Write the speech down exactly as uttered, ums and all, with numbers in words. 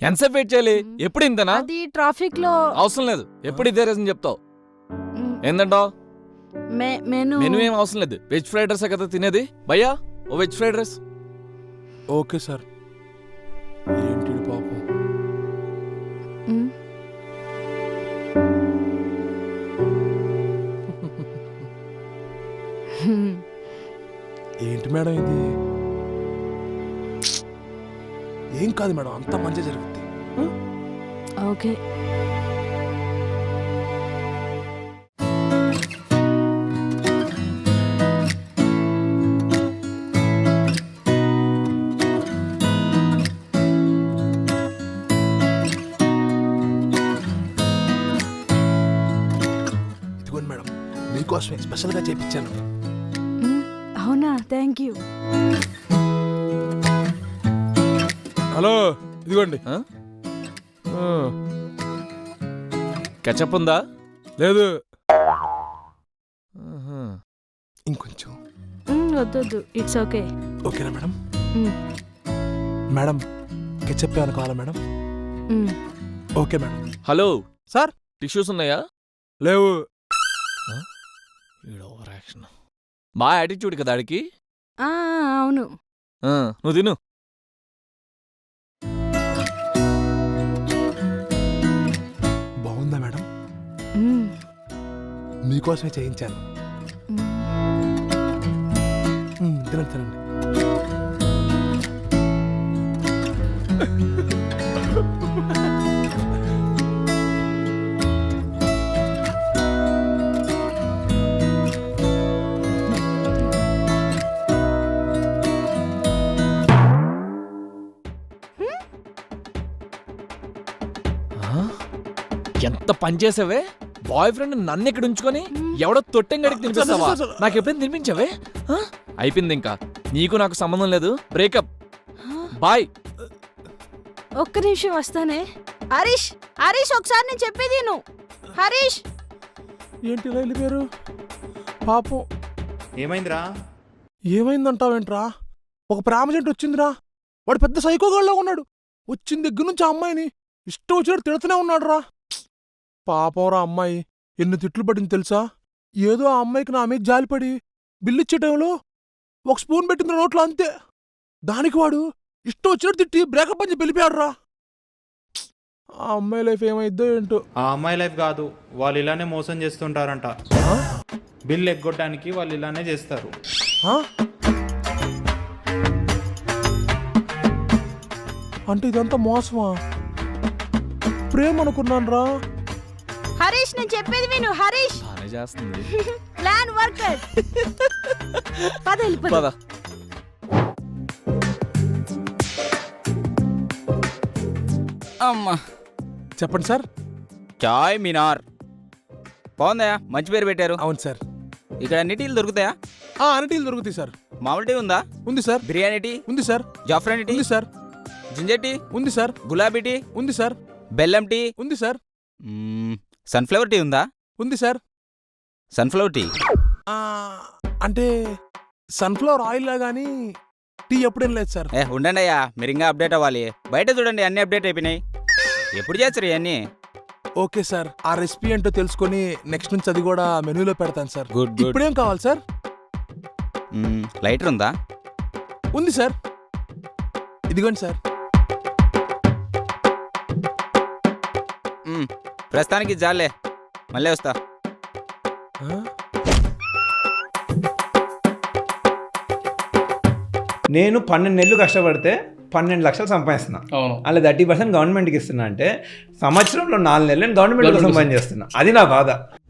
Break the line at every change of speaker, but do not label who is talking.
ఎంతసేపు వెయిట్ చేయాలి? ఎప్పుడు ఇంతనా?
అది ట్రాఫిక్ లో
అవసరం లేదు, ఎప్పుడు ఇదే రీజన్ చెప్తావు. ఏందంటావు?
మెను
మెనూ ఏం అవసరం లేదు, వెజ్ ఫ్రైడ్ రైస్ కదా తినేది. భయ్యా ఓ veg fried rice.
Okay sir. ఏంటి పాపం, ఏంటి మేడం ఇది? ఏం కాదు మేడం, అంతా మంచి జరుగుద్ది.
ఓకే.
ఇదిగోండి మేడం, మీకోసమే స్పెషల్గా చేపించాను.
అవునా, థ్యాంక్ యూ.
హలో, ఇదిగోండి.
కెచప్ ఉందా?
లేదు, ఇంకొంచెం.
వద్దొద్దు, ఇట్స్ ఓకే.
ఓకేనా మేడం? మేడం కెచప్ ఏమైనా కావాలా madam? Okay madam.
Hello
sir,
tissues ఉన్నాయా?
లేవు.
బా యాటిట్యూడ్ కదా ఆడికి.
అవును.
నువ్వు తిను.
బాగుందా మేడం? మీకోసమే చేయించాను. తినండి తినండి.
ఎంత పని చేసావే? బాయ్ ఫ్రెండ్ నన్ను ఇక్కడ ఉంచుకొని ఎవడో తొట్టెంగడికి తినిపిస్తావా? నాకు ఎప్పుడైనా తినిపించావే? అయిపోయింది, ఇంకా నీకు నాకు సంబంధం లేదు. Breakup, bye.
ఒక్క నిమిషం వస్తానే. హరీష్, హరీష్ ఒకసారి నేను చెప్పేది నువ్వు. హరీష్,
ఏంటి ఇలా వెళ్ళిపోయారు? పాపం.
ఏమైందిరా?
ఏమైందంటావేంట్రా? ఒక ప్రేమ జంట వచ్చిందిరా. వాడు పెద్ద సైకోగాళ్ళలో ఉన్నాడు. వచ్చిన దగ్గర నుంచి ఆ అమ్మాయిని ఇష్టం వచ్చినట్టు తిడుతూనే ఉన్నాడు రా. పాపంరా అమ్మాయి, ఎన్ని తిట్లు పడింది తెలుసా? ఏదో ఆ అమ్మాయికి నా మీద జాలిపడి బిల్లు ఇచ్చే టైంలో ఒక స్పూన్ పెట్టింది నోట్లో, అంతే. దానికి వాడు ఇష్టం వచ్చినట్టు తిట్టి బ్రేకప్ అని చెప్పి వెళ్ళిపోయాడు రా. ఆ అమ్మాయి లైఫ్ ఏమైద్దో ఏంటో.
ఆ అమ్మాయి లైఫ్ కాదు, వాళ్ళు ఇలానే మోసం చేస్తుంటారంట. బిల్ ఎగ్గొట్టడానికి వాళ్ళు ఇలానే చేస్తారు.
అంటే ఇదంతా మోసమా? ప్రేమ అనుకున్నాను రా.
హరీష్ నేను చెప్పేది విను. హరీష్
బానే చేస్తుంది.
Plan worker. పద వెళ్ళిపో.
పద.
అమ్మా,
చెప్పండి సార్.
చాయ్ మినార్ బాగుందయా, మంచి పేరు పెట్టారు.
అవును సార్.
ఇక్కడ అన్ని టీలు దొరుకుతాయా?
అన్ని టీలు దొరుకుతాయి సార్.
మామూలు టీ ఉందా?
ఉంది సార్.
బిర్యానీ టీ
ఉంది సార్.
జాఫ్రానీ టీ
ఉంది సార్.
జింజర్ టీ
ఉంది సార్.
గులాబీ టీ
ఉంది సార్.
బెల్లం టీ
ఉంది సార్.
సన్ఫ్లవర్ టీ ఉందా?
ఉంది సార్.
సన్ఫ్లవర్ టీ
అంటే సన్ఫ్లవర్ ఆయిల్ లా గానీ టీ ఎప్పుడేం లేదు సార్.
ఏ ఉండండి అయ్యా, మీరు ఇంకా అప్డేట్ అవ్వాలి. బయట చూడండి, అన్ని అప్డేట్ అయిపోయినాయి. ఎప్పుడు చేస్తారు ఇవన్నీ?
ఓకే సార్, ఆ రెసిపీ ఏంటో తెలుసుకొని నెక్స్ట్ నుంచి అది కూడా మెనూలో పెడతాను సార్.
Good good.
ఇప్పుడేం కావాలి సార్?
లైటర్ ఉందా?
ఉంది సార్. ఇదిగోండి సార్.
ప్రస్తుతానికి జాలే, మళ్ళీ వస్తా.
నేను పన్నెండు నెలలు కష్టపడితే పన్నెండు లక్షలు సంపాదిస్తున్నా. అలా థర్టీ పర్సెంట్ గవర్నమెంట్కి ఇస్తున్నా అంటే సంవత్సరంలో నాలుగు నెలలు నేను గవర్నమెంట్ కోసం పని చేస్తున్నా. అది నా బాధ.